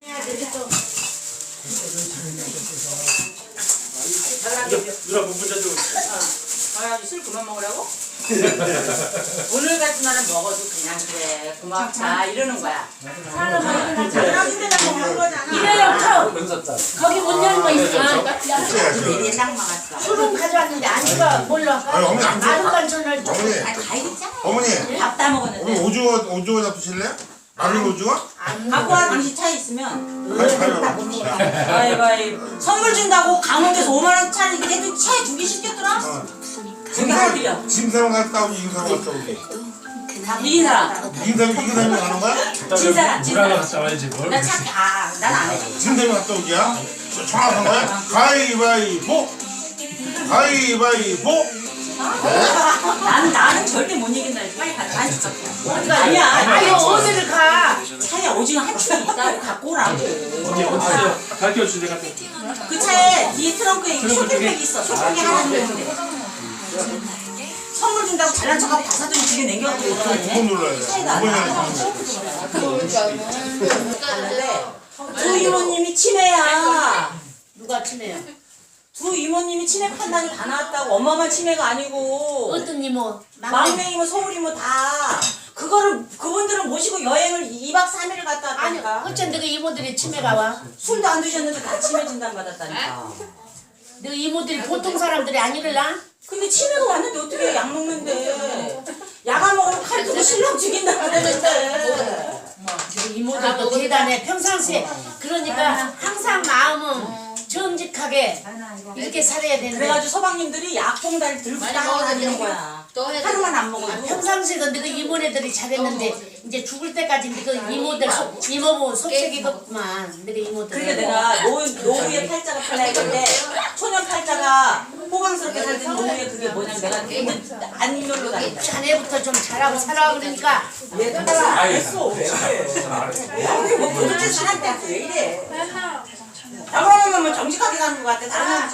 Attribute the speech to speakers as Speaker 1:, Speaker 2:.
Speaker 1: 누나 문자 좀.
Speaker 2: 아, 술 그만 먹으라고? 오늘 같은 날은 먹어도 그냥 그래 고맙다 이러는 거야.
Speaker 3: 이래요. 거기 문 열고 있어.
Speaker 2: 내내 딱 막았어.
Speaker 3: 술은 가져왔는데 아니가 몰라.
Speaker 4: 아니, 어머니 안 줘.
Speaker 3: 아는 간천을
Speaker 4: 어머니,
Speaker 2: 아, 다 익었잖아.
Speaker 4: 어머니,
Speaker 2: 밥 다
Speaker 4: 오늘
Speaker 2: 먹었는데.
Speaker 4: 오징어 잡수실래요? 마른 오징어?
Speaker 2: 갖고 와 당신 차에 있으면.
Speaker 4: 아니,
Speaker 2: 아이고 선물 준다고 강원도에서 5만 원짜리 걔도 차에 2개 시켰더라. 저기 하드려.
Speaker 4: 짐사람 갔다 오지, 이사람 갔다 오지.
Speaker 2: 이긴 사람.
Speaker 4: 이사람이 가는 거야?
Speaker 2: 진 사람. 진 사람.
Speaker 1: 갔다 와야지 뭘.
Speaker 2: 나 차, 난 안 해.
Speaker 4: 짐사람이 갔다 오기야? 정확한 거야? 가위바위보! 가위바위보!
Speaker 2: 나는 절대 못 이긴다. 빨리 가자. 아니야.
Speaker 3: 아니 어디를 가?
Speaker 2: 차에 오징어 한 층이 있다고 갖고 오라고.
Speaker 1: 언니 어딨어요? 가르쳐 주세요. 내가 또.
Speaker 2: 그 차에 뒤에 트렁크에 쇼핑백이 있어. 쇼핑백이 하나 있는데. 선물 준다고 잘난 척하고 다 사더니 집에 냉겨갖고
Speaker 4: 두번 눌러야 돼.
Speaker 2: 차에다
Speaker 4: 두번
Speaker 2: 안
Speaker 4: 눌러야
Speaker 2: 갔는데 두 이모님이 치매야.
Speaker 3: 누가 치네요?
Speaker 2: 두 이모님이 치매 판단이 다 나왔다고. 엄마만 치매가 아니고
Speaker 3: 어떤 이모?
Speaker 2: 막내 이모, 서울 이모 다. 그거를 그분들은 모시고 여행을 2박 3일을 갔다
Speaker 3: 아니
Speaker 2: 왔다니까.
Speaker 3: 어쩐 그 이모들이 치매가 와?
Speaker 2: 술도 안 드셨는데 다 치매 진단 받았다니까.
Speaker 3: 너 이모들이 보통 사람들이 아니길라?
Speaker 2: 근데 치매가 왔는데 어떻게 약 먹는데. 약 안 먹으면 칼 들고 신랑 죽인다 그러는데.
Speaker 3: 너 이모들도 대단해. 평상시에 그러니까 항상 마음은 정직하게 이렇게 살아야 되는데
Speaker 2: 그래가지고 서방님들이 약봉다리 들고 다니는 거야. 하루만 안 먹어도.
Speaker 3: 평상시에 근데 그 이모네들이 잘했는데 이제 죽을 때까지 그 이모들 이모부 속색이겠구만. 내가 이모들.
Speaker 2: 그러니까 내가 노후의 팔자가 팔라했는데 초년 팔자가 호강스럽게 살던 노후의 그게 뭐냐면 내가 안 놀러 다닌다.
Speaker 3: 자네부터 좀 잘하고 살아 그러니까
Speaker 2: 얘 따라 안 했어. 뭐 도대체 사람한테 왜 이래. 나만 하면 뭐 정직하게 사는 것 같아. 다른 사람